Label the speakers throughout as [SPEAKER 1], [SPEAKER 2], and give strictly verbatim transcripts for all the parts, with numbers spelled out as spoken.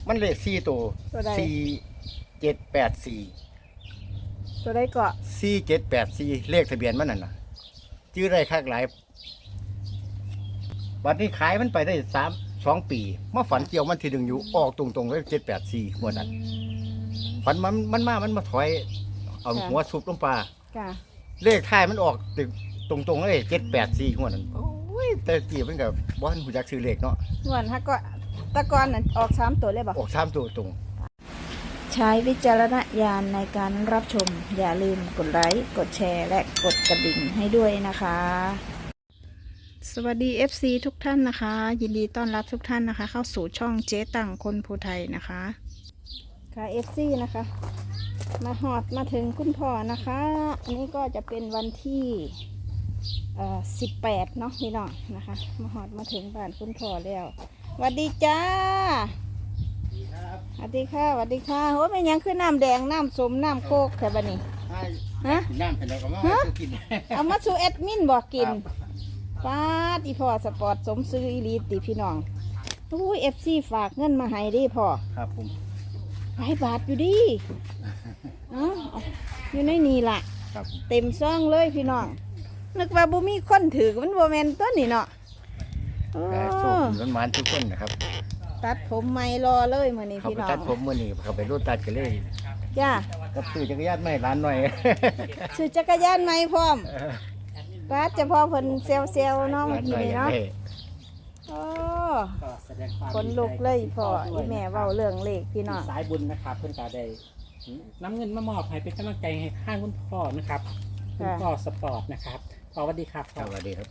[SPEAKER 1] มันเลขสี่ตัว
[SPEAKER 2] ตัวใด
[SPEAKER 1] สี่เจ็ดแปดสี่
[SPEAKER 2] ตัวได้เกาะ
[SPEAKER 1] สี่เจ็ดแปดสี่เลขทะเบียนมันนั่นน่ะชื่อได้คักหลายวันนี้ขายมันไปได้สามสองปีมาฝันเกี่ยวมันทีหนึ่งอยู่ออกตรงๆเลยเจ็ดแปดสี่หัวนั้นฝันมันมันมามันมาถอยเอาหัวซุบลงปลา
[SPEAKER 2] จ้ะ
[SPEAKER 1] เลขท้ายมันออกตรงๆเลยเจ็ดแปดสี่หัวนั้นโอ้ยแต่กี่มันกับบ้านหูจักซื้อเลขเนาะ
[SPEAKER 2] งวนถ้าก็ตะกอนนั่นออกสามตัวเลยบ่
[SPEAKER 1] ออกสามตัวตรง
[SPEAKER 2] ใช้วิจารณญาณในการรับชม อย่าลืมกดไลค์กดแชร์และกดกระดิ่งให้ด้วยนะคะ สวัสดี เอฟ ซี ทุกท่านนะคะ ยินดีต้อนรับทุกท่านนะคะ เข้าสู่ช่องเจ๊ตังคนภูไทยนะคะค่ะ เอฟ ซี นะคะ มาหอดมาถึงคุณพ่อนะคะ อันนี้ก็จะเป็นวันที่เอ่อสิบแปดเนาะพี่น้องนะคะ มาหอดมาถึงบ้านคุณพ่อแล้วสวัสดีจ้าสวัสดีค่ะสวัสดีค่ะโอ้ยเป็นยังคือน้ำแดงน้ำส้มน้ำโคกแถวบ้านนี้ฮะ
[SPEAKER 1] กินน้ำเป็นแล้วก็มากิน
[SPEAKER 2] เอามาสู่แอดมินบอกกินป้าดอีพ่อสปอร์ตสมซื้ออีลีติพี่น้องอู้เอฟซีฝากเงินมาให้ดิพ่อ
[SPEAKER 1] ครับผม
[SPEAKER 2] หลายบาทอยู่ดิเอ้าอยู่ในนี่ล่ะ
[SPEAKER 1] ครับ
[SPEAKER 2] เต็มซ่องเลยพี่น้องนึกว่าบ่มีคนถือมันบ่แม่นตัวนี่เนาะโอ้
[SPEAKER 1] แต่โชคดีมันๆทุกคนนะครับ
[SPEAKER 2] ตัดผมใหม่รอเลยมื้อนี้
[SPEAKER 1] เขา
[SPEAKER 2] พี่
[SPEAKER 1] ไป
[SPEAKER 2] น้อง
[SPEAKER 1] ตัดผมมื่อนี้เขาไปรูดตัดกันเลย
[SPEAKER 2] จ้า
[SPEAKER 1] กับซื้อจักรยานไม่ร้านหน่อย
[SPEAKER 2] ซื้อจักรยานใหม่พร้อมป้าดเจะพ่อเพิ่นเซลเซลเนาะเมื่อกี้นี่เนาะโอ้คนลุกเลยพ่ออีแม่เว้าเรื่องเลขพี่น้อง
[SPEAKER 3] สายบุญนะครับเพื่อนก็ได้น้ำเงินมามอบให้เป็นกำลังใจให้ข้างคุณพ่อนะครับคุณพ่อสปอร์ตนะครับพ่อสวัสดีครับ
[SPEAKER 1] สวัสดีครับ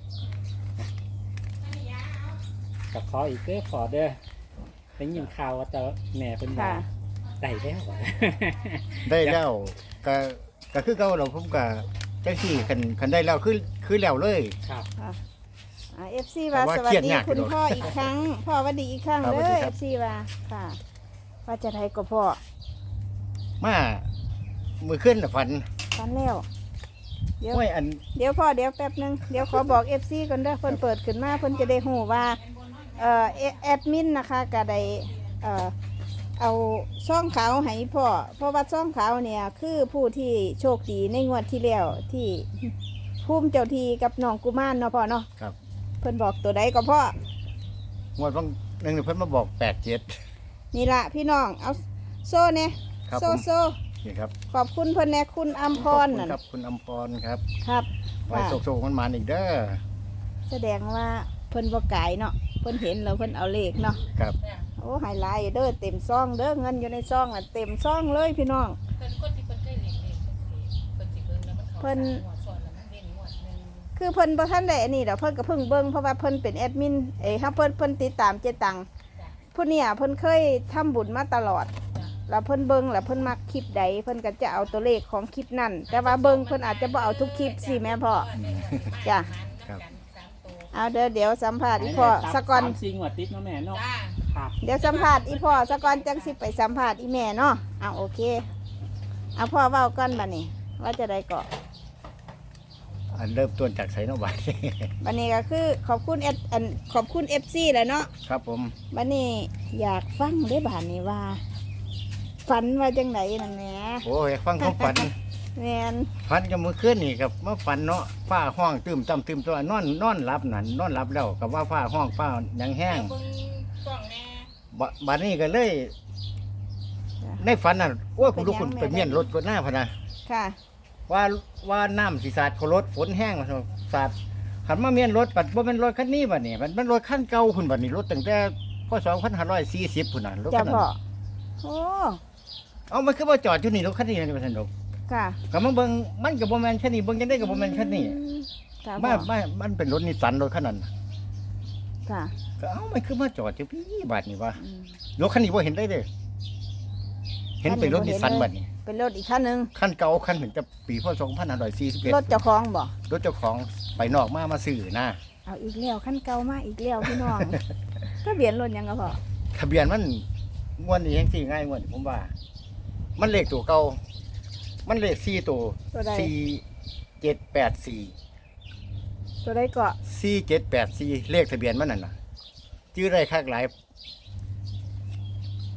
[SPEAKER 3] กับขออีกเด้อขอเด้อเป็นยินข่าวว่าแต่แม่เป็นว่าได้แล้ว
[SPEAKER 1] ได้แล้วก็ก็คือเก่าเราผมก็จังซี่คันคันได้แล้วคือคือแล้วเลย
[SPEAKER 3] ครับ
[SPEAKER 2] เอฟซีว่าสวัสดีคุณพ่ออีกครั้ง พ่อสวัสดีอีกครั้ง
[SPEAKER 1] ครับ
[SPEAKER 2] เล
[SPEAKER 1] สวัสดี
[SPEAKER 2] ย
[SPEAKER 1] ค
[SPEAKER 2] เอ
[SPEAKER 1] รับ
[SPEAKER 2] ฟซีว่าค่ะว่าจะไทยก็พ่อ
[SPEAKER 1] มามือขึ้นน่ะฝัน
[SPEAKER 2] ฟันแล้วเดี๋ยว
[SPEAKER 1] ห้วยอัน
[SPEAKER 2] เดี๋ยวพ่อเดี๋ยวแป๊บนึงเดี๋ยวขอบอกเอฟซีก่อนเด้อเพิ่นเปิดขึ้นมาเพิ่นจะได้หูว่าเอ่อแอดมินนะคะก็ได้เอ่อเอาช่องเขาให้พ่อเพราะว่าช่องเขาเนี่ยคือผู้ที่โชคดีในงวดที่แล้วที่ภูมิเจ้าทีกับน้องกุมารเนาะพ่อเนาะ
[SPEAKER 1] ครับ
[SPEAKER 2] เพิ่นบอกตัวใดก็พ่อ
[SPEAKER 1] งวดบางหนึงนี่เพิ่นมาบอกแปดเจ็ด
[SPEAKER 2] นี่ละพี่น้องเอาโซ่เนี่ย
[SPEAKER 1] ครับ
[SPEAKER 2] โซ่
[SPEAKER 1] ผม
[SPEAKER 2] โซ่
[SPEAKER 1] นี่ครับ
[SPEAKER 2] ขอบคุณเพิ่นแน่คุณอัมพร
[SPEAKER 1] ขอบคุณ
[SPEAKER 2] นั่น
[SPEAKER 1] ครับคุณอมพรครับ
[SPEAKER 2] ครับ
[SPEAKER 1] ไว้
[SPEAKER 2] ว่า
[SPEAKER 1] โศกๆมันมาอีกเด้อ
[SPEAKER 2] แสดงว่าเพิ่นบ่ไก่เนาะเพิ่นเห็นแล้วเพิ่นเอาเลขเนาะ
[SPEAKER 1] ครับ
[SPEAKER 2] โอ้ไฮไลท์เด้อเต็มซองเด้อเงินอยู่ในซองน่ะเต็มซองเลยพี่น้อง
[SPEAKER 4] เพิ่นคนที่เพิ่นเคยเลี้ยงเลี้ยงเพิ่นสิเพิ่นสิเบิ่งแล้วมันเข้า
[SPEAKER 2] เพิ่น
[SPEAKER 4] สามงวดซ้อนแล้วมันเว้นงวดหนึง
[SPEAKER 2] คือเพิ่นบ่ทันได้อันนี้ดอกเพิ่นก็เพิ่งเบิ่งเพราะว่าเพิ่นเป็นแอดมินเอ้ยเฮาเพิ่นเพิ่นติดตามเจตังผู้เนี่ยเพิ่นเคยทำบุญมาตลอด แล้วเพิ่นเบิ่งแล้วเพิ่นมักคลิปใดเพิ่นก็จะเอาตัวเลขของคลิปนั้นแต่ว่าเบิ่งเพิ่นอาจจะบ่เอาทุกคลิปสิแม่พ่อจ้ะ
[SPEAKER 1] ครับ
[SPEAKER 2] เอาเดี๋ยวเดี๋ยวสัมภาษณ์อีพ่อสะก่อน
[SPEAKER 3] สามสี่งวดติดเนาะแม่เนาะ
[SPEAKER 4] จ้า
[SPEAKER 3] ครับ
[SPEAKER 2] เดี๋ยวสัมภาษณ์อีพ่อสะก่อนจังสิไปสัมภาษณ์อีแม่เนาะเอาโอเคเอาพ่อเว้าก่อนบัดนี้ ว่าจะได้เกาะ
[SPEAKER 1] อันเริ่มต้นจากไสนบัด
[SPEAKER 2] บัดนี้ก็คือขอบคุณเออันขอบคุณ เอฟ ซี แหล้วเนาะ
[SPEAKER 1] ครับผม
[SPEAKER 2] บัดนี้อยากฟังได้บาดนี้ว่า ฝันว่าจังไดนั่นแหม
[SPEAKER 1] โอ้ยฟังเขาฝัน
[SPEAKER 2] แม่น
[SPEAKER 1] ฝันกับมือขึ้นนี่ครับมาฝันเนาะฟ้าห้องตื้มต่ำตื้มตัวนอนนอนหลับนั่นนอนหลับแล้วกับว่าฟ้าห้องฟ้าหยังแห้ง
[SPEAKER 4] เบิ่งกล้องแน่
[SPEAKER 1] บบัดนี้ก็เลยในฝันน่ะโอ้ยคุณลูกคุณไปเมียนรถก็หน้าพะนะ
[SPEAKER 2] ค่ะ
[SPEAKER 1] ว่าว่าน้ำสีสาดเขารถฝนแห้งมาสาดขันมาเมียนรถปัดว่าเป็นรถคันนี้บัดนี้มันเป็นรถคันเก่าคุณบัดนี้รถตั้งแต่พศสองพันห้าร้อยสี่สิบคุณน่ะรถ
[SPEAKER 2] จ้า
[SPEAKER 1] คันนั้
[SPEAKER 2] พ่อน โอ้
[SPEAKER 1] เอามันคือว่าจอดอยู่นี่รถคันนี้นี่เป็นสนุก
[SPEAKER 2] ค่ะ
[SPEAKER 1] ก็มาเบิ่งมันกับโบแมนคันนี้เบิ่งจังได้กับโบแมนคันนี้
[SPEAKER 2] อืมค่ะ
[SPEAKER 1] มา
[SPEAKER 2] พ่อ
[SPEAKER 1] มามันเป็นรถนิสสันรถคันนั้น
[SPEAKER 2] ค่ะ
[SPEAKER 1] ก็เอ้ามันคือมาจอดอยู่พี่บาดนี่วะ
[SPEAKER 2] อืม
[SPEAKER 1] รถคันนี้บ่เห็นได้เด้อเห็นเป็นรถนิสสันบัดนี้
[SPEAKER 2] เป็นรถอีกคันหนึง
[SPEAKER 1] คันเก่าคันถึงจะปีพศสองพันห้าร้อยสี่สิบเอ็ด
[SPEAKER 2] รถเจ้าของบ่
[SPEAKER 1] รถเจ้าของไปนอกมามาซื้อนะ
[SPEAKER 2] เอาอีกแล้วคันเก่ามาอีกแล้วพี่น้อง ทะเบียนรถหยังก็พ่อ
[SPEAKER 1] ทะเบียนมันงวดนี้ยังสี่ง่ายงวดนี้ผมว่า มันเลขตัวเก่ามันเลขสี่ตัว
[SPEAKER 2] ตัวใด
[SPEAKER 1] สี่เจ็ดแปดสี่
[SPEAKER 2] ตัวใดเกาะ
[SPEAKER 1] สี่เจ็ดแปดสี่เลขทะเบียนมันนั่นน่ะชื่อได้คักหลาย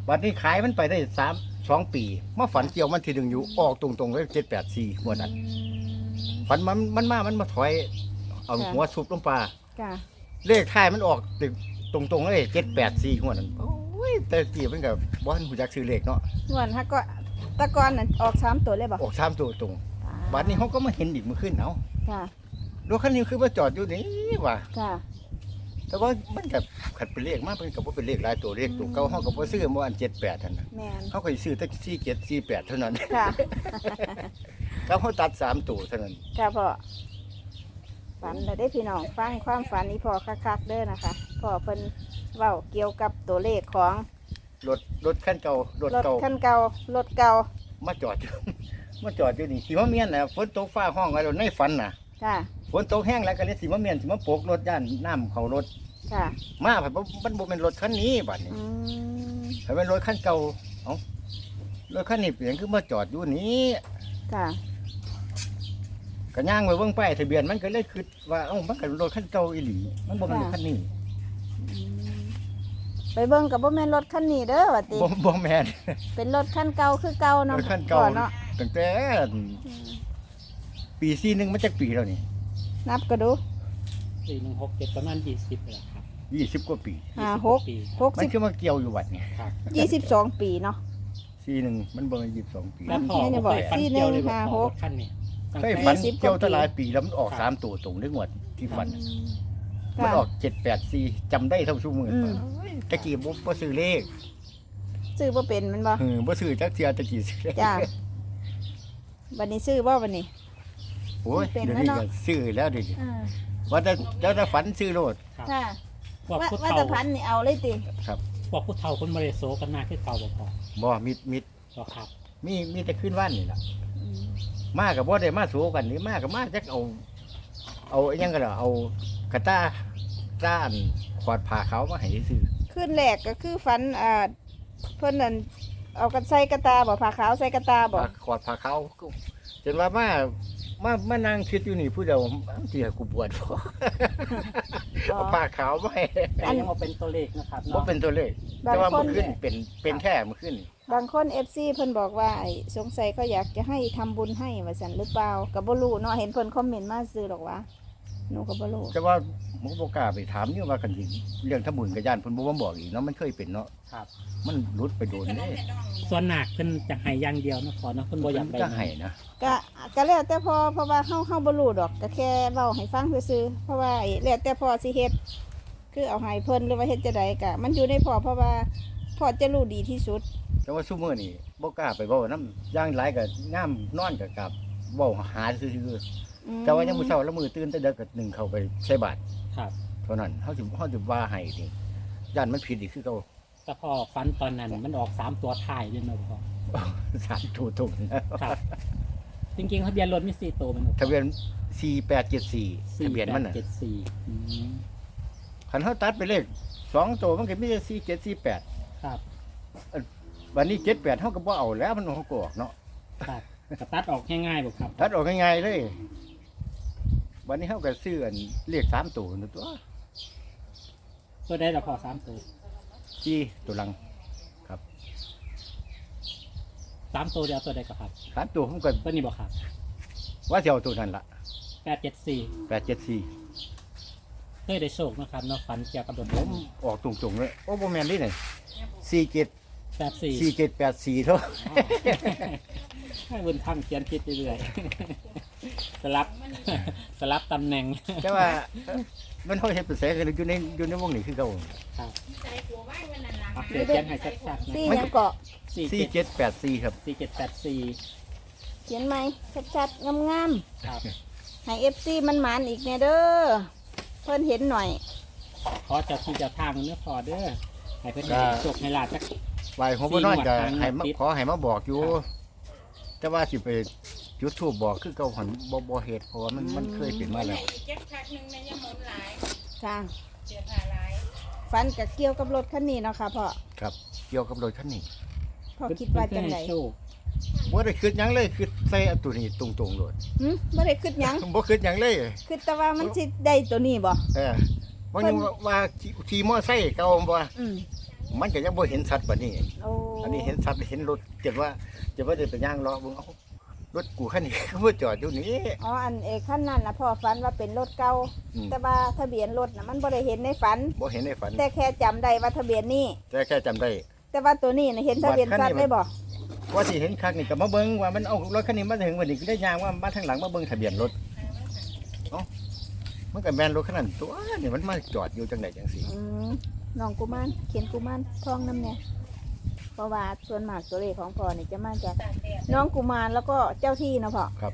[SPEAKER 1] บัดนี้ขายมันไปได้สามสองปีมาฝันเกี่ยวมันทีหนึ่งอยู่ออกตรงๆเลยเจ็ดแปดสี่หัวดนั้น ฝันมันมันมา มันมาถอย เอาหัวซุบลงปลา
[SPEAKER 2] ค่ะ
[SPEAKER 1] เลขท้ายมันออกตรงตรงๆเลยเจ็ดแปดสี่หัวนั้นโอ้ยแต่กี่มันกับบ้านหูจักซื้อเลขเนาะ
[SPEAKER 2] งวนฮะก็ตะกอนน่ะออกสามตัวเลยบ่
[SPEAKER 1] ออกสามตัวตรงบัดนี้เขาก็มาเห็นอีกเมื่อคืนเอา
[SPEAKER 2] ค่ะ
[SPEAKER 1] รถคันนี้คือมาจอดอยู่นี่ว่ะ
[SPEAKER 2] ค่ะ
[SPEAKER 1] แต่ว่ามันกับขัดเป็นเลขมากเป็นกับว่าเป็นเลขหลายตัวเลขตัวเก่าเขากับว่าซื้อเมื่อวันเจ็ดแปดท่านนะ
[SPEAKER 2] แม่น
[SPEAKER 1] เขาเคยซื้อตั้งสี่เจ็ดสี่แปดเท่านั้น
[SPEAKER 2] ค่ะ
[SPEAKER 1] เขาเขาตัดสามตัวเท่านั้น
[SPEAKER 2] ค่ะพ่อฝันเราได้พี่น้องฟังความฝันนี้พอคักๆเด้อนะคะพ่อเพิ่นเว้าเกี่ยวกับตัวเลขของ
[SPEAKER 1] รถรถคันเก่ารถ
[SPEAKER 2] รถ
[SPEAKER 1] เก่า
[SPEAKER 2] คันเก่ารถเก่า
[SPEAKER 1] มาจอดอยู่ มาจอดอยู่นี่สีมะเมียนน่ะฝนตกฟ้าห้องไว้เราในฝันน่ะ
[SPEAKER 2] ค่ะ
[SPEAKER 1] ฝนตกแห้งแล้วก็เลยสีมะเมียนสีมะโปกรถย่านน้ำเขารถ
[SPEAKER 2] ค่ะ
[SPEAKER 1] มาผัดมันบ่เป็นรถคันนี้บัดนี้
[SPEAKER 2] อืม
[SPEAKER 1] ถ้าเป็นรถคันเก่าเอ้ารถคันนี้เปลี่ยนคือมาจอดอยู่นี้
[SPEAKER 2] ค่ะ
[SPEAKER 1] ก็ย่างไปเบิ่งป้ายทะเบียนมันก็เลยคิดว่าเอ้ามันก็รถคันเก่าอีหลีมันบ่เป็นรถคันนี้
[SPEAKER 2] อืมไปเบิ่งกับบ่แม่นรถคันนี้เด้อว่าติ
[SPEAKER 1] บ่บ่แม่น
[SPEAKER 2] เป็นรถคันเก่าคือเก่าร เนาะ
[SPEAKER 1] ถคันเก่า
[SPEAKER 2] พ่อเนาะ
[SPEAKER 1] ตั้งแต่
[SPEAKER 2] อืม
[SPEAKER 1] ปีสี่หนึ่งมาจากปีแล้วนี่
[SPEAKER 2] นับก็ดู
[SPEAKER 3] สี่หนึ่งหกเจ็ดประมาณยี่สิบเลยครับ
[SPEAKER 1] ยี่สิบกว่าปี
[SPEAKER 2] ห้า
[SPEAKER 3] ยี่สิบ
[SPEAKER 2] หก
[SPEAKER 3] ปี
[SPEAKER 2] หก
[SPEAKER 1] มัน
[SPEAKER 2] สิบ
[SPEAKER 1] คือมาเกี่ยวอยู่วัดนี่
[SPEAKER 3] ครับ
[SPEAKER 2] ยี่สิบสองปีเนาะ
[SPEAKER 1] สี่หนึ่งมันบ่ยี่สิบสองปี
[SPEAKER 3] แล้วพ่อ
[SPEAKER 2] เนี่ย
[SPEAKER 3] ก็
[SPEAKER 2] บอก
[SPEAKER 3] เคยฝัน
[SPEAKER 2] สี่
[SPEAKER 3] เกี่ยวเลย
[SPEAKER 2] หนึ่ง
[SPEAKER 3] บอก
[SPEAKER 2] ห้า
[SPEAKER 3] พ่อ
[SPEAKER 2] ห
[SPEAKER 3] ร
[SPEAKER 2] ก
[SPEAKER 3] ถคันนี้ตั้ง
[SPEAKER 1] เคย
[SPEAKER 3] แต่
[SPEAKER 1] ฝัน
[SPEAKER 2] ยี่สิบ
[SPEAKER 1] เกี่ยว
[SPEAKER 2] กว่าปี
[SPEAKER 1] ตะหลายปีแล้วมันออก
[SPEAKER 3] ครับ
[SPEAKER 1] สามตัวตรงได้งวดที่ฝัน
[SPEAKER 2] อืม
[SPEAKER 1] มัน
[SPEAKER 2] ค่ะ
[SPEAKER 1] ออกเจ็ดแปดสี่จำได้เท่าชั่วโมง
[SPEAKER 2] อืม
[SPEAKER 1] ตะกี้บ่บ่ซื้อเลข
[SPEAKER 2] ซื้อบ่เป็นแมันบ่
[SPEAKER 1] เออบ่ซื้อจักเทียตะกี้ซื้อเลข
[SPEAKER 2] จ้าบัดนี้ซื้อบ่บัดนี้
[SPEAKER 1] โอ้ย
[SPEAKER 2] เป็น
[SPEAKER 1] เดี๋ยว
[SPEAKER 2] แล้ว
[SPEAKER 1] นี้
[SPEAKER 2] เนาะ
[SPEAKER 1] ก็ซื้อแล้วเดิ
[SPEAKER 2] อ่า
[SPEAKER 1] ว่าแต่แล้วแต่ฝันซื้อโลด
[SPEAKER 3] ครับ
[SPEAKER 2] ค่ะ
[SPEAKER 3] พวก
[SPEAKER 2] ว่า
[SPEAKER 3] ผู้
[SPEAKER 2] ว่า
[SPEAKER 3] เฒ่า
[SPEAKER 2] แตะพันนี่เอาเลยติ
[SPEAKER 1] ครับ
[SPEAKER 3] พวกผู้เฒ่าคนมาเลโซกันหน้าคือเก่าบ่พอ
[SPEAKER 1] บ่มิดมิด
[SPEAKER 3] บ่ครับ
[SPEAKER 1] มีมีแต่ขึ้นว่านนี่ล่ะ
[SPEAKER 2] อืม
[SPEAKER 1] มากับบ่ได้มาสู้กันนี่มากับมาจักเอา เอาอิหยังก็ได้เอากระต้าต้านขวดผ้าขาวมาให้ซื้อ
[SPEAKER 2] ขึ้นแรกก็คือฝันอ่าเพิ่นนั่นเอากันใส่กระตาบ่ผ้าขาวใส่กระตาบ่
[SPEAKER 1] ผ้าขวดผ้าขาวก็จนว่ามามามานั่งคิดอยู่นี่ผู้เดียวที่ให้กูปวดบ่ เอาผ้าขาวมาให้
[SPEAKER 3] แต่ยังมาเป็นตัวเลขนะครับ
[SPEAKER 1] บ่
[SPEAKER 3] เนาะ
[SPEAKER 1] เป็นตัวเลข
[SPEAKER 2] บาง
[SPEAKER 1] แต่ว่า
[SPEAKER 2] คน
[SPEAKER 1] เมื่อคืนเป็นเป็นแท้เมื่อคืนนี่
[SPEAKER 2] บางคน เอฟ ซี เพิ่นบอกว่าไอ้สงสัยเขาอยากจะให้ทำบุญให้ว่าซั่นหรือเปล่าก็บ่รู้เนาะเห็นเพิ่นคอมเมนต์มาซื้อหรอกว่าหนูก็บ่รู้
[SPEAKER 1] แต่ว่าหมบ่กล้าไปถามอยู่ว่ากันสิเรื่องทำบุญกับญาติเพิ่นบ่มาบอกอีกเนาะมันเคยเป็นเนาะ
[SPEAKER 3] ครับ
[SPEAKER 1] มันหลุดไปโดนนี่
[SPEAKER 3] ส่วนหนักเพิ่นจะให้อย่างเดียวนะพอเนาะเพิ่นบ่อยากได้
[SPEAKER 1] จะให้นะ
[SPEAKER 2] ก็ก็แล้วแต่พอเพราะว่าเฮาเฮาบ่รู้ดอกก็แค่เว้าให้ฟังซื่อๆเพราะว่าไอ้แล้วแต่พ่อสิเฮ็ดคือเอาให้เพิ่นหรือว่าเฮ็ดจังไดก็มันอยู่ในพ่อเพราะว่าพ่อจะรู้ดีที่สุด
[SPEAKER 1] แต่ว่าซุมื้อนี่บ่กล้าไปเว้านํอย่างหลายก็งามนอนก็กลับเว้าหาซื่อ
[SPEAKER 2] อืม
[SPEAKER 1] ๆแต่ว่ายังมื้อเช้าแล้วมื้อตื่นแต่เด็กก็นึ่งเข้าไปใส่บาตร
[SPEAKER 3] ครับ
[SPEAKER 1] เท่านั้นเฮาสิเฮาสิว่าให้นี่ญาติมันผิดอีกคือเก่า
[SPEAKER 3] แต่พอฝันตอนนั้นมันออกสามตัวท้ายเลยเนาะพ่อ
[SPEAKER 1] สามตัวตรงนะครับ
[SPEAKER 3] จริงๆทะเบียนรถมีสี่ตัวเป็นหมด
[SPEAKER 1] ทะเบียนสี่แปดเจ็ดสี่ทะเบียนมันน่ะ
[SPEAKER 3] เจ็ดสี่อืม
[SPEAKER 1] คันเฮาตัดไปเลขสองตัวมันก็มีแต่สี่เจ็ดสี่แปด
[SPEAKER 3] ครับ
[SPEAKER 1] วันนี้เจ็ดแปดเฮาก็บ่เอาแล้วมันเขาก็ออกเนาะ
[SPEAKER 3] ครับกระตัดออกง่ายๆบ่ครับ
[SPEAKER 1] ตัดออกง่ายๆเลย วันนี้เขาก็ซื้ออันเลขสามตัวนั่นตัว
[SPEAKER 3] ตัวได้ละพอสามตัว
[SPEAKER 1] สี่ตัวหลัง
[SPEAKER 3] สามตัวเดียวตัวใดก็ครับ
[SPEAKER 1] สามตัวผมก็
[SPEAKER 3] ตัวนี้บ่ครับ
[SPEAKER 1] ว่าจะเอาตัวนั้นละ
[SPEAKER 3] แปดเจ็ดสี่
[SPEAKER 1] แปดเจ็ดสี่
[SPEAKER 3] เคยได้โชคนะครับเนาะฝันเกี่ยวกับรถ
[SPEAKER 1] ผมออกตรงๆเลยโอ้โบแมนนี่ไหนสี่เจ็ด
[SPEAKER 3] แปดสี่
[SPEAKER 1] สี่เจ็ดแปดสี่เท่า
[SPEAKER 3] ให้บุญทำเขียนคิดเรื่อยๆ สลับ สลับตำแหน่ง
[SPEAKER 1] แต่ว่าเอ้อมันเขาเห็นเป็นแสงกันอยู่ในอยู่ในวงนี้คือเขา
[SPEAKER 3] ครับเอาเขียนเขียนให้ชัดๆนะ
[SPEAKER 2] สี่ยังเกาะ
[SPEAKER 3] สี่
[SPEAKER 1] สี่
[SPEAKER 3] เจ็ด
[SPEAKER 1] เจ็ดแปดสี่ครับ
[SPEAKER 3] สี่เจ็ดแปดสี่
[SPEAKER 2] เขียนไหมชัดๆงาม
[SPEAKER 3] ครับ
[SPEAKER 2] ๆให้ เอฟ ซี มันหมานอีกแน่เด้อเพิ่นเห็นหน่อย
[SPEAKER 3] ขอเจ้าที่เจ้าทางเนื้อพอเด้อให้เพื่อนให้โชคให้ลาบจัก
[SPEAKER 1] ไหวหัวบ่นอนจะ
[SPEAKER 3] สี่หมวด
[SPEAKER 1] ให้มา
[SPEAKER 3] ติด
[SPEAKER 1] ขอให้มาบอกอยู่
[SPEAKER 3] ครับ
[SPEAKER 1] แต่ว่าสิไปจุดทูบบอกคือเก่าหันบ่บ่เฮ็ดเพราะว่ามันมันเคยเป็นมาแล้ว
[SPEAKER 4] อีกแจ็คพักหนึงในะยะมนหลาย
[SPEAKER 2] ค่ะ
[SPEAKER 4] เสียผ่าหลาย
[SPEAKER 2] ฟันกับเกี่ยวกับรถคันนี้เนาะค่ะพ่อ
[SPEAKER 1] ครับ เกี่ยวกับรถคันนี้
[SPEAKER 2] พ่อคิดว่าจังได
[SPEAKER 3] เพื่อนให้โชค
[SPEAKER 1] บ่ได้คิดหยังเลยคิดใส่อันตัวนี้ตรงๆโลด
[SPEAKER 2] หึบ่ได้คิดหยัง
[SPEAKER 1] บ่คิดหยังเลย
[SPEAKER 2] คิดแต่ว่ามันสิได้ตัวนี้บ่
[SPEAKER 1] เออว่ายังว่าว่าขี่ขี่มอไซค์เก่าบ่
[SPEAKER 2] อืม
[SPEAKER 1] มันก็ยังบ่เห็นสัตว์บัดนี้
[SPEAKER 2] โอ้
[SPEAKER 1] อันนี้เห็นสัตว์เห็นรถเจ็บว่าเจ็บว่าเดินไปย่างล้อเบิ่งเอ้ารถกูคันนี้ ก็บ่จอดอยู่นี่
[SPEAKER 2] อ๋ออันเอกขั้นนั้นนะพ่อฝันว่าเป็นรถเก่า
[SPEAKER 1] อืม
[SPEAKER 2] แต่ว่าทะเบียนรถนะมันบ่ได้เห็นในฝัน
[SPEAKER 1] บ่เห็นในฝัน
[SPEAKER 2] แต่แค่จำได้ว่าทะเบียนนี่
[SPEAKER 1] แต่แค่จำได้
[SPEAKER 2] แต่ว่าตัวนี้นะเห็นทะเบียนสัตว์ได้บ่
[SPEAKER 1] ว่าสิเห็นคักนี่ก็มาเบิ่งว่ามันเอารถคันนี้มาถึงวันนี้ก็ได้ย่างว่ามาทางหลังมาเบิ่งทะเบียนรถเอ้ามันก็แม่นรถคันนั้นตัวนี่มันมาจอดอยู่จังไดจังซี่
[SPEAKER 2] อืมน้องกุมารเขียนกุมารทองน้ำเนี่ยเพราะว่าส่วนมากตัวเลขของพ่อนี่จะมาจาก
[SPEAKER 4] ตากแดด
[SPEAKER 2] น้องกุมารแล้วก็เจ้าที่นะพ่อ
[SPEAKER 1] ครับ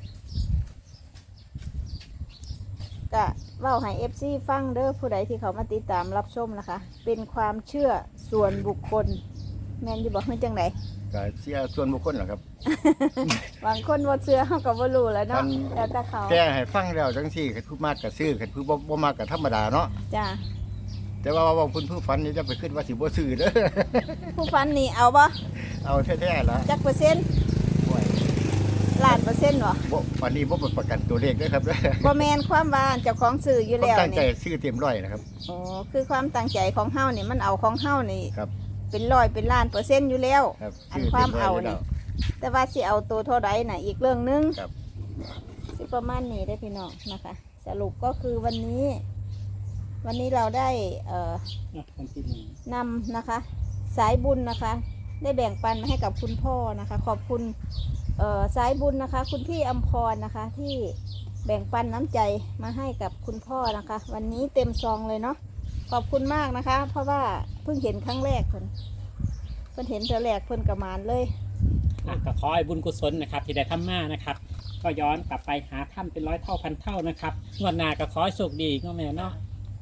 [SPEAKER 2] ก็เว้าให้ เอฟ ซี ฟังเด้อผู้ใดที่เขามาติดตามรับชมนะคะ เป็นความเชื่อส่วนบุคคล แม่นอยู่บอกเฮ้ยจังได
[SPEAKER 1] ก็เสียส่วนบุคคลเหรอครับ
[SPEAKER 2] บางคนบ่เชื่อเฮาก็บ่รู้แหล้วเนาะ
[SPEAKER 1] มัน
[SPEAKER 2] แล้วแต่เขา
[SPEAKER 1] แต่ให้ฟังแล้วจังซี่คันผู้มากก็ซื้อคันผู้บ่บ่มากก็ธรรมดาเนาะ
[SPEAKER 2] จ้า
[SPEAKER 1] แต่ว่าว่าเพิ่นผู้ฝันนี่จะไปขึ้นว่าสิบ่ซื้อเด้อ
[SPEAKER 2] ผู้ฟันนี่เอาบ่
[SPEAKER 1] เอาแท้ๆล่ะ
[SPEAKER 2] จักเปอร์เซ็นต์
[SPEAKER 1] โอ้ย
[SPEAKER 2] ล้านเปอร์เซ็นต์บ่
[SPEAKER 1] บ่วันนี้บ่ประกันตัวเลขเด้อครับเด้อ
[SPEAKER 2] บ่แม่นความว่าเจ้าของซื้ออยู่
[SPEAKER 1] ผม
[SPEAKER 2] แล้ว
[SPEAKER 1] ตั้งใจ
[SPEAKER 2] นี่
[SPEAKER 1] ซื้อเต็มร้อยนะครับ
[SPEAKER 2] โอ้คือความตั้งใจของเฮานี่มันเอาของเฮานี่
[SPEAKER 1] ครับ
[SPEAKER 2] เป็นร้อยเป็นล้านเปอร์เซ็นต์อยู่แล้ว
[SPEAKER 1] ครับ
[SPEAKER 2] อัน
[SPEAKER 1] ซื้อ
[SPEAKER 2] ความ
[SPEAKER 1] เต็มร้
[SPEAKER 2] เอา
[SPEAKER 1] อยอยู่แล้
[SPEAKER 2] นี่
[SPEAKER 1] ว
[SPEAKER 2] แต่ว่าสิเอาตัวเท่าใดน่ะอีกเรื่องหนึง
[SPEAKER 1] ครับ
[SPEAKER 2] สิประมาณนี้ได้อพี่น้องนะคะ สรุปก็คือวันนี้ วันนี้เราได้เอ่อ
[SPEAKER 3] อ่ะวันที่หนึ่ง
[SPEAKER 2] นำนะคะ สายบุญนะคะ ได้แบ่งปันมาให้กับคุณพ่อนะคะ ขอบคุณเอ่อสายบุญนะคะ คุณพี่อำพรนะคะ ที่แบ่งปันน้ำใจมาให้กับคุณพ่อนะคะ วันนี้เต็มซองเลยเนาะขอบคุณมากนะคะ เพราะว่าเพิ่งเห็นครั้งแรกเพิ่นเพิ่นเห็นเธอแรกเพิ่นกระมานเลย
[SPEAKER 3] อ่ะก็ขอให้บุญกุศลนะครับ ที่ได้ทำมานะครับ ก็ย้อนกลับไปหาท่านเป็นร้อยเท่าพันเท่านะครับงวดหน้าก็ขอให้โชคดีก็แม่เนาะ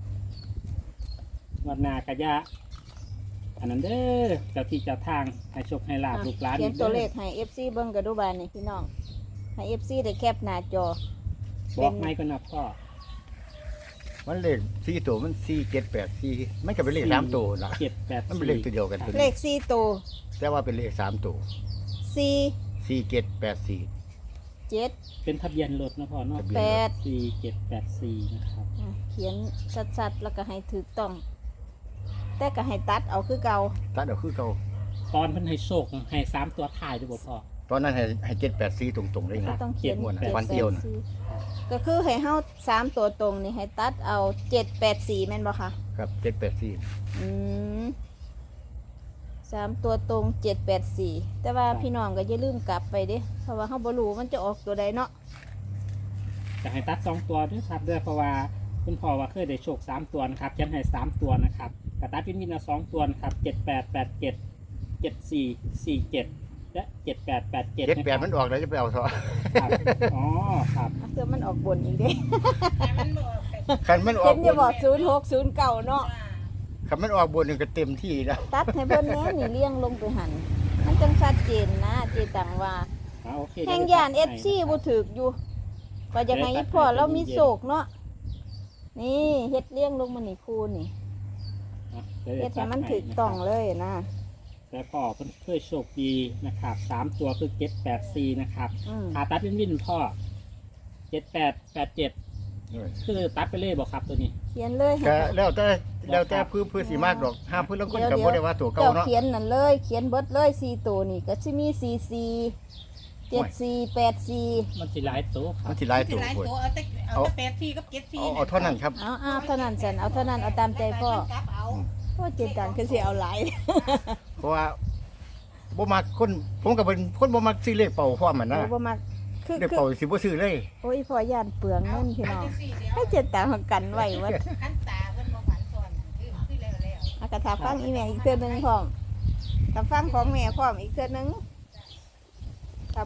[SPEAKER 3] งวดหน้าก็อย่าอันนั้นเด้อเจ้าที่เจ้าทางให้โชคให้ลาบลูกหลาน
[SPEAKER 2] เขียน
[SPEAKER 3] อีก
[SPEAKER 2] ตัว
[SPEAKER 3] ด้อ
[SPEAKER 2] เลขให้ เอฟ ซี เบิ่งกระดูบานนี่พี่น้องให้ เอฟ ซี ได้แคปหน้าจอ
[SPEAKER 3] บอกไม่ก็นะพ่อ
[SPEAKER 1] มันเลขสี่ตัวมันสี่เจ็ดแปดสี่มันก็เป็นเลขสามตัวล่ะ
[SPEAKER 3] เจ็ดแปด
[SPEAKER 1] มันเป็นเลขตัวเดียวกันตัว
[SPEAKER 2] เล
[SPEAKER 1] นี้
[SPEAKER 2] ขสี่ตัว
[SPEAKER 1] แต่ว่าเป็นเลขสามตัว
[SPEAKER 2] สี่
[SPEAKER 1] สี่เจ็ดแปดสี่
[SPEAKER 2] เจ็ด
[SPEAKER 3] เป็นทะเบียนรถนะพ่อเนาะ
[SPEAKER 1] ทะเบียน
[SPEAKER 2] แป
[SPEAKER 1] ร
[SPEAKER 2] ด
[SPEAKER 1] ถ
[SPEAKER 3] สี่เจ็ดแปดสี่นะครับ
[SPEAKER 2] อ่ะเขียนชัดๆแล้วก็ให้ถูกต้อง แต่ก็ให้ตัดเอาคือเก่า
[SPEAKER 1] ตัดเอาคือเก่า
[SPEAKER 3] ตอนเพิ่นให้โชคให้สามตัวถ่ายด้วยบ่พ่อ
[SPEAKER 1] ตอนนั้นให้ให้เจ็ดแปดสี่ตรงๆเลย
[SPEAKER 2] ก็
[SPEAKER 1] นะ
[SPEAKER 2] ต้องเขียน
[SPEAKER 1] เขียนหมดนะ
[SPEAKER 2] จ็
[SPEAKER 1] วันเดียวน่ะ
[SPEAKER 2] แปสี่ก็คือให้เฮาสามตัวตรงนี่ให้ตัดเอาเจ็ดแปดสี่แม่นบ่คะ
[SPEAKER 1] ครับเจ็ดแปดสี่
[SPEAKER 2] อืมสามตัวตรงเจ็ดแปดสี่แต่ว่าพี่น้องก็อย่าลืมกลับไปเด้เพราะว่าเฮาบ่รู้มันจะออกตัวใดเนาะ
[SPEAKER 3] จะให้ตัดสองตัวด้วยครับด้วยเพราะว่าคุณพ่อว่าเคยได้โชคสามตัวนะครับยันให้สามตัวนะครับกระตัดวินวินเอาสองตัวนะครับเจ็ดแปดแปดเจ็ดเจ็ดสี่สี่เจ็ดและเจ็ดแปดแปดเจ็ด
[SPEAKER 1] เจ็ดแปดมันออกแล้วจะไปเอาซะ
[SPEAKER 3] ครับอ๋อครับ
[SPEAKER 2] เอาเสื้อมันออกบนอีกเด้
[SPEAKER 4] แต่มันบอกแต่
[SPEAKER 1] คันมันออ
[SPEAKER 2] เห็
[SPEAKER 1] ก
[SPEAKER 2] น
[SPEAKER 1] บ
[SPEAKER 2] อย่าน บอกศูนย์หกศูนย์เก่าเนาะ
[SPEAKER 1] คันมันออกบนนี่ก็เต็มที่แล้ว
[SPEAKER 2] ตัดให้เพิ่นแหน่นี่เลี้ยงลงไปหันมันจังชัดเจนนะเจตังว่า
[SPEAKER 3] อ่าโอเค
[SPEAKER 2] แห่งยาน เอฟ ซี บ่ถูกอยู่ก็จะให้พ่อเรามีโศกเนาะนี่เฮ็ดเลี้ยงลงมานี่คูนี่
[SPEAKER 3] อ่ะ
[SPEAKER 2] เฮ็ดให้มันถูกต้องเลยนะ
[SPEAKER 3] แต่พ่อเพิ่นเคยโชคดีนะครับสามตัวคือเจ็ดแปดสี่นะครับ
[SPEAKER 2] อืม
[SPEAKER 3] ขาตัดวินวินพ่อเจ็ดแปดแปดเจ็ดคือตัดไปเลยบอกครับตัวนี้
[SPEAKER 2] เขียนเลยให้
[SPEAKER 1] ก็แล้วแต่แล้วแต่พื้นพื้นสีมากดอกห้าพื้นแล้วคนก็บ่ได้ว่าตัวเก่า
[SPEAKER 2] เจ้า
[SPEAKER 1] เนาะ
[SPEAKER 2] เขียนนั่นเลย เขียนเบิดเลยสี่ตัวนี่ก็สิมีสี่สี่เจ็ดสี่แปดสี่
[SPEAKER 3] มันสิหลายตัวครั
[SPEAKER 1] มั
[SPEAKER 3] บ
[SPEAKER 1] นสิหลาย
[SPEAKER 4] ที่
[SPEAKER 1] ตัว
[SPEAKER 4] หลาย
[SPEAKER 1] พุ่น
[SPEAKER 4] ตัวเอาแต่เอาแต่แปดที่กับเจ็ดที่
[SPEAKER 1] เอาเอาเท่านั้นครับ
[SPEAKER 2] เอาเอาเท่านั้นสันเอาเท่านั้นเอาตามใจพ่อ
[SPEAKER 4] มันกลับเอา
[SPEAKER 2] พ่อเจตังคือสิเอาหลาย
[SPEAKER 1] เพราะว่าบ่มักคนผมก็เป็นคนบ่มักซื้อเลขเป่าพร้อมมันนะ
[SPEAKER 2] โอ้บ่มักคือ
[SPEAKER 1] เลข
[SPEAKER 2] คือ
[SPEAKER 1] เป่าสิบ่ซื้อเลย
[SPEAKER 2] โอ้ยพ่อย่านเปลืองเงินพี่น้อง
[SPEAKER 4] เาสี่เดียว
[SPEAKER 2] ให้เจตังกันไว้วัด
[SPEAKER 4] ขั้นตาเพิ่นบ่ฝันซ้อนคือคือแล้วแล้ว
[SPEAKER 2] อากาถาฟังอีแม่อีกเทื่อหนึงพร้อมถ้าฟังของแม่พร้อมอีกเทื่อหนึงครับ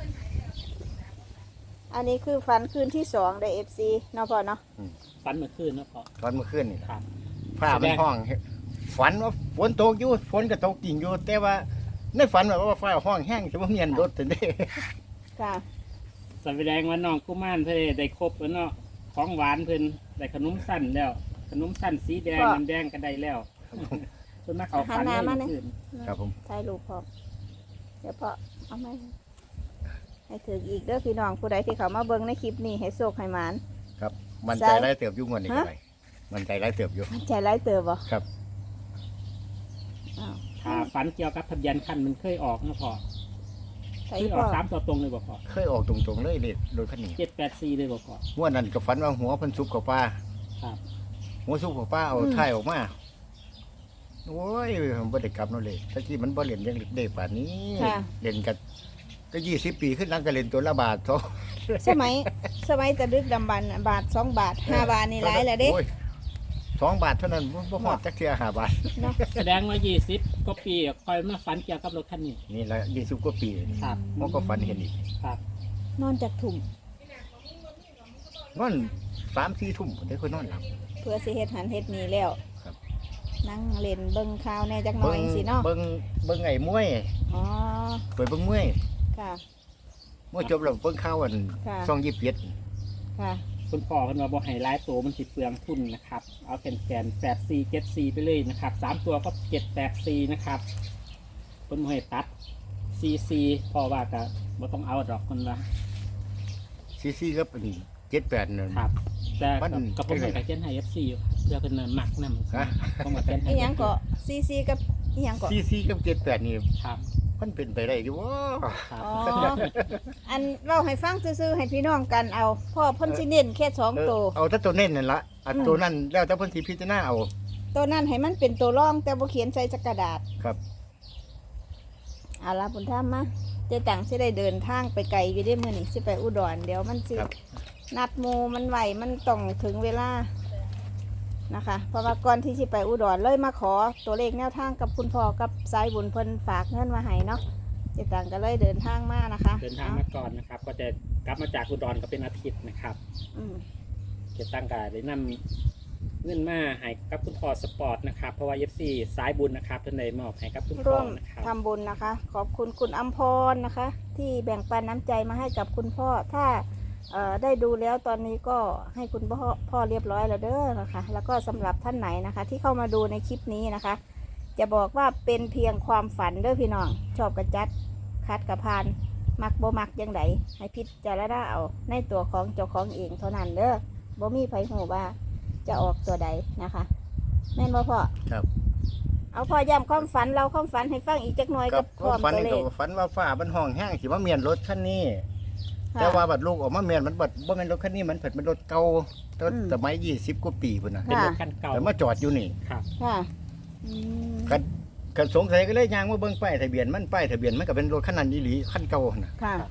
[SPEAKER 2] อันนี้คือฟันคืนที่สองได้เอฟซีเนาะพ่อเนาะ
[SPEAKER 3] ฟันเมื่อคืนนะพ่อ
[SPEAKER 1] ตอนเมื่อคืนนี่
[SPEAKER 3] ครับ
[SPEAKER 1] ฟ้ามันห้องฝันว่าฝนตกอยู่ฝนก็ตกจริงอยู่แต่ว่าในฝันว่าฟ้าห้องแห้งสิบ่เมียนรถซั่นเด้
[SPEAKER 2] ค่ะ
[SPEAKER 3] แสดงว่าน้องกุมารเพิ่นได้ครบแล้วเนาะของหวานเพิ่นได้ขนมสั้นแล้ว ขนมสั้นสีแดง
[SPEAKER 2] พ่อ
[SPEAKER 3] น้ำแดงก็ได้แล้วเพิ่นมาเข้าฝัน
[SPEAKER 2] หันหน้ามา
[SPEAKER 3] เมื่
[SPEAKER 2] เนี่
[SPEAKER 3] อย คืน
[SPEAKER 1] ครับผม
[SPEAKER 2] ถ่ายรูปพร้อมเดี๋ยวพ่อเอาไหมให้ถึงอีกเด้อพี่น้องผู้ใดที่เขามาเบิ่งในคลิปนี้ให้โชคให้หมาน
[SPEAKER 1] ครับ มัน
[SPEAKER 2] ใช่
[SPEAKER 1] ใจร้ายเติบอยู่งวดนี้ก็ได้มันใจร้ายเติบอยู่
[SPEAKER 2] มันใจร้ายเติบบ่
[SPEAKER 1] ครับ
[SPEAKER 2] ออ้าว
[SPEAKER 3] ถ้าฝันเกี่ยวกับทะเบียนคันมันเคยออกนะพ่อ
[SPEAKER 2] ใส่
[SPEAKER 3] เคยอ
[SPEAKER 2] พ่
[SPEAKER 3] อ
[SPEAKER 2] อก
[SPEAKER 3] สามตัวตรงเลยบ่พ่อ
[SPEAKER 1] เคยออกตรงๆเลยเลขรถคันนี้
[SPEAKER 3] เจ็ดแปดสี่เลยบ่พ่อ
[SPEAKER 1] หัวนั้นก็ฝันว่าหัวเพิ่นซุบเข้าป่า
[SPEAKER 3] ครับ
[SPEAKER 1] หัวซุบเข้าป่าเอาท้ายออกมาโอ้ยมันบ่ได้กลับเนาะเลยตะกี้มันบ่เล่นยังเด็กป่านนี้
[SPEAKER 2] ค่ะ
[SPEAKER 1] เล่นกันก็ยี่สิบปีขึ้นหลังก็เล่นตัวละบาทเท่า
[SPEAKER 2] สมัยสมัยตะดึกดำบรรพ์น่ะบาทสองบาทห้าบาทนี่หลายแล้วเด้
[SPEAKER 1] โอ้ยสองบาทเท่านั้นบ่บ่ฮอดจักเทื่อห้าบาท
[SPEAKER 2] เนาะ
[SPEAKER 3] แสดงว่ายี่สิบกว่าปีคอยมาฝันเกี่ยวกับรถคันนี้
[SPEAKER 1] นี่ละยี่สิบกว่าปี
[SPEAKER 3] ครับ
[SPEAKER 1] มันก็ฝันเห็นอีก
[SPEAKER 3] ครับ
[SPEAKER 2] นอนจากถุ่ม
[SPEAKER 1] นอนสามสี่ทุ่มผมได้ค่อยนอนหลับ
[SPEAKER 2] เพื่อสิเฮ็ดหันเฮ็ดนี่แล้ว
[SPEAKER 1] ครับ
[SPEAKER 2] นั่งเล่นเบิ่งข่าวแหน่จักหน่อยสิเนาะ
[SPEAKER 1] เบิ่งเบิ่งไอ้มวย
[SPEAKER 2] อ๋อ
[SPEAKER 1] เปิดเบิ่งมวย
[SPEAKER 2] ค่ะ
[SPEAKER 1] มวยจบแล้วเบิ่งข่าวอัน
[SPEAKER 2] ค่ะ
[SPEAKER 1] ช่องยี่สิบเจ็ด
[SPEAKER 2] ค่ะ
[SPEAKER 3] คุณพ่อเพิ่นว่าบ่ให้หลายตัวมันสิเปลืองทุนนะครับ เอาแกนๆแปดสี่เจ็ดสี่ไปเลยนะครับสามตัวก็เจ็ดแปดสี่นะครับเพิ่นบ่ให้ตัดซีซีพ่อว่าก็บ่ต้องเอาดอกคนว่า
[SPEAKER 1] ซีซีครับอันนี้เจ็ดแปดนั่น
[SPEAKER 3] ครับ แต่
[SPEAKER 1] มั
[SPEAKER 3] กับ
[SPEAKER 1] น
[SPEAKER 3] กับผมให้กับเจนให้ เอฟ ซี อยู่ครับเพื่อเป็นมักนำ
[SPEAKER 1] ฮะ
[SPEAKER 3] ผมกับเจนให้
[SPEAKER 2] อีหยังก็ซีซีกับอีหยังก็
[SPEAKER 1] ซีซีกับเจ็ดแปดนี่
[SPEAKER 3] ครับ
[SPEAKER 1] มันเป็นไปได้อยู่วะ
[SPEAKER 3] ครับ
[SPEAKER 2] อ๋อ อันเล่าให้ฟังซื่อๆให้พี่น้องกันเอาพ่อเพ่นสิเน้นแค่สอง
[SPEAKER 1] เออ
[SPEAKER 2] ตัว
[SPEAKER 1] เอาแต่ตัวเน้นนั่นละอัน
[SPEAKER 2] อืม
[SPEAKER 1] ตัวนั้นแล้วแต่เพิ่นสิพิจารณาเอา
[SPEAKER 2] ตัวนั้นให้มันเป็นตัวร่องแต่บ่เขียนใส่จักกระดาษ
[SPEAKER 1] ครับ
[SPEAKER 2] เอาละบุญธรรมมาเจ๊ตังสิได้เดินทางไปไกลอยู่ได้มื้อนี้สิไปอุดรเดี๋ยวมันสิ
[SPEAKER 1] ครับ
[SPEAKER 2] นัดหมู่มันไหวมันต้องถึงเวลานะคะ เพราะว่าก่อนที่สิไปอุดรเลยมาขอตัวเลขแนวทางกับคุณพ่อกับสายบุญเพิ่นฝากเงินมาให้เนาะเจ๊ตังก็เลยเดินทางมานะคะ
[SPEAKER 3] เดินทางมาก่อนนะครับ ก็จะกลับมาจากอุดรก็เป็นอาทิตย์นะครับ
[SPEAKER 2] อืม
[SPEAKER 3] เจะตั้งการได้นำเงินมาให้กับคุณพ่อสปอร์ตนะครับ เพราะว่า เอฟ ซี สายบุญนะครับท่านใดมอบให้กับคุณพ่
[SPEAKER 2] ร่
[SPEAKER 3] อ
[SPEAKER 2] วม
[SPEAKER 3] นะครับ
[SPEAKER 2] ทำบุญนะคะ ขอบคุณคุณอัมพรนะคะ ที่แบ่งปันน้ำใจมาให้กับคุณพ่อถ้าเอ่อได้ดูแล้วตอนนี้ก็ให้คุณพ่อพ่อเรียบร้อยแล้วเด้อนะคะ แล้วก็สำหรับท่านไหนนะคะ ที่เข้ามาดูในคลิปนี้นะคะ จะบอกว่าเป็นเพียงความฝันเด้อพี่น้องชอบกระจัดคัดกระพานมักบ่มักยังไงให้พิจารณาเอาในตัวของเจ้าของเองเท่านั้นเด้อบ่มีไผหูว่าจะออกตัวใดนะคะ แม่นบ่พ่อ
[SPEAKER 1] ครับ
[SPEAKER 2] เอาพ่อย้ำความฝันเราความฝันให้ฟังอีกจักหน่อย
[SPEAKER 1] กั
[SPEAKER 2] กั
[SPEAKER 1] บบ
[SPEAKER 2] พร้อม
[SPEAKER 1] ฝัน
[SPEAKER 2] ตัว
[SPEAKER 1] นี่
[SPEAKER 2] เล
[SPEAKER 1] ก็
[SPEAKER 2] ข
[SPEAKER 1] ฝันว่าฟ้ามันห้องแห้งสิว่าเมียนรถคันนี้
[SPEAKER 2] ค่ะ
[SPEAKER 1] แต่ว่าบัดลูกออกมาเมียนมันบัดบ่แม่นรถคันนี้มันเผิดเป็นรถเก่าตั้ง
[SPEAKER 2] อืม
[SPEAKER 1] สมัยยี่สิบกว่าปีพุ่นน่ะ
[SPEAKER 3] เป็นรถคันเก่า
[SPEAKER 1] แต่มาจอดอยู่นี่
[SPEAKER 3] ครับ
[SPEAKER 2] ค่ะอืม
[SPEAKER 1] กันกันสงสัยก็เลยยางมาเบิ่งป้ายทะเบียนมันป้ายทะเบียนมันก็เป็นรถคันนั้นอีหลีคันเก่าน่ะ
[SPEAKER 2] ค่ะ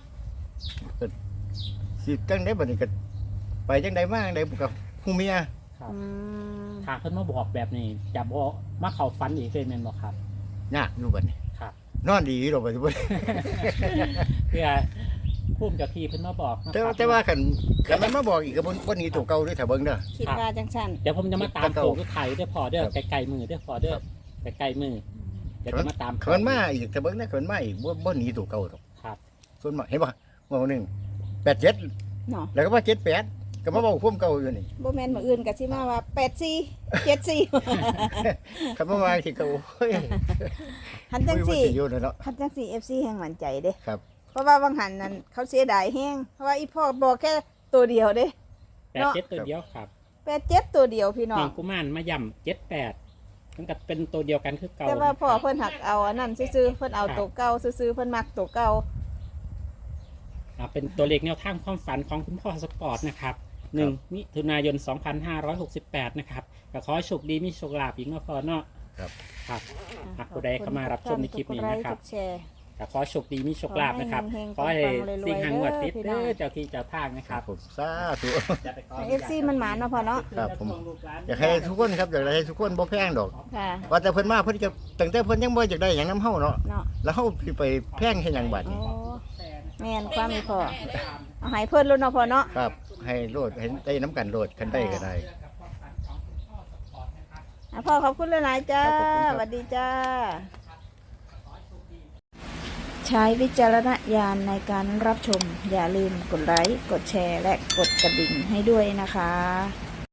[SPEAKER 1] สิจังได๋บัดนี้ก็ไปจังได๋มาจังได๋กับผู้เมีย
[SPEAKER 3] ครับ
[SPEAKER 2] อืม
[SPEAKER 3] ถ้าเพิ่นมาบอกแบบนี้จะบอกมาเข้าฝันอีกเลยแม่นบ่ครับ
[SPEAKER 1] ยากอยู่บัดนี้
[SPEAKER 3] ครับ
[SPEAKER 1] นอนดีอยู่ดอกบัดนี้
[SPEAKER 3] เพื่อภูมิเจ้าที่เพิ่นมาบอกนะ
[SPEAKER 1] แต่
[SPEAKER 3] ค
[SPEAKER 1] ว่า
[SPEAKER 3] รับ
[SPEAKER 1] แต่ว่าคันคันมันมาบอกอีกก็บ่บ่หนีตัวเก่าด้วยถ้าเบิ่งเด้อ
[SPEAKER 2] คิดว่าจังสัน
[SPEAKER 3] เดี๋ยวผมจะมาตาม
[SPEAKER 1] เก่า
[SPEAKER 3] โค้งทุกไทยเด้อพอเด้อ
[SPEAKER 1] ครับ
[SPEAKER 3] ไกลๆมือเด้อพอเด้อไกลๆมือเดี๋ยวจะมาตาม
[SPEAKER 1] คันมันมาอีกถ้าเบิ่งนะคันมันมาอีกบ่บ่หนีตัวเก่าดอก
[SPEAKER 3] ครับ
[SPEAKER 1] ส่วนมากเห็นบ่ว่าหนึงแปดเจ็ด
[SPEAKER 2] เนาะ
[SPEAKER 1] แล้วก็ว่าเจ็ดแปดก็มาบอกพุ่มเก่าอยู่นี่
[SPEAKER 2] โบแมนมาอื่นกับสิมาว่าแปดสี่เจ็ดสี่
[SPEAKER 1] คันมาว่าสิเก่าโอ้ย
[SPEAKER 2] หันจัง
[SPEAKER 1] บ่
[SPEAKER 2] สี่
[SPEAKER 1] สิอยู่นั่นเนาะ
[SPEAKER 2] หันจังสี่เอฟซีแห่งหมันใจเด้
[SPEAKER 1] ครับ
[SPEAKER 2] เพราะว่าบางหันนั้นเขาเสียดายแห้งเพราะว่าอีพ่อบอกแค่ตัวเดียวเด้
[SPEAKER 3] แปดเจ็ดตัวเดียวครับ
[SPEAKER 2] แปดเจ็ดตัวเดียวพี่น้อ
[SPEAKER 3] เพี
[SPEAKER 2] ง
[SPEAKER 3] ยงกุมารมาย่ำเจ็ดแปดมันก็เป็นตัวเดียวกันคือเก่า
[SPEAKER 2] แต่ว่าพ่อเพิ่นหักเอาอันนั้นซื้อๆเพิ่นเอาตัวเก่าซื้อๆเพิ่นมักตัวเก่า
[SPEAKER 3] อ่าเป็นตัวเลขแนวทางความฝันของคุณพ่อสปอร์ตนะครับหนึ่งมิถุนายน สองพันห้าร้อยหกสิบแปด นะครับก็ขอให้โชคดีมีโชคลาภอีกเนาะพ่อเนาะ
[SPEAKER 1] ครับ
[SPEAKER 3] ครับ หากผู้ใดเข้ามารับชมในคลิปนี้นะครับ
[SPEAKER 2] กดไลกดแชร์
[SPEAKER 3] ก็ขอให้โชคดีมีโชคลาภนะครับ
[SPEAKER 2] ข
[SPEAKER 3] ข
[SPEAKER 2] อ
[SPEAKER 3] อ
[SPEAKER 2] ให้
[SPEAKER 3] ให้
[SPEAKER 2] เฮงๆ
[SPEAKER 3] สิ่ง
[SPEAKER 2] ปั
[SPEAKER 3] หาง
[SPEAKER 2] งๆ
[SPEAKER 3] วดติด
[SPEAKER 2] พี่
[SPEAKER 3] เด้
[SPEAKER 2] น้อง
[SPEAKER 3] อเจ้าที่เจ้าทางนะค
[SPEAKER 1] ค
[SPEAKER 3] รั
[SPEAKER 1] รั
[SPEAKER 3] บบ
[SPEAKER 1] ผมสาธุ
[SPEAKER 3] จะไปขอ
[SPEAKER 2] เอฟซีมันหมานเนาะพ่อเนาะ
[SPEAKER 1] ครับผม อยากให้ทุกคนครับอยากให้ทุกคนบ่แพงดอก
[SPEAKER 2] ค่ะ
[SPEAKER 1] ว่าแต่เพิ่นมาเพิ่นจะตั้งแต่เพิ่นยังบ่อยากได้หยังนํเฮาเนาะ
[SPEAKER 2] เนาะ
[SPEAKER 1] แล้วเฮาสิไปแพงเฮ็ดหยังบัด
[SPEAKER 2] โอ้
[SPEAKER 1] นี้
[SPEAKER 2] แม่นความมีพ่อเอาให้เพิ่นลุ้นเนาะพ่อเนาะ
[SPEAKER 1] ครับ ให้โลดให้ได้น้ำกันโลดคันได้ก็ได้
[SPEAKER 2] อ่ะพ่อขอบคุณหลายๆจ้า
[SPEAKER 1] ครับขอบคุณครับ
[SPEAKER 2] สวัสดีจ้า ใช้วิจารณญาณในการรับชม อย่าลืมกดไลค์ กดแชร์ และกดกระดิ่งให้ด้วยนะคะ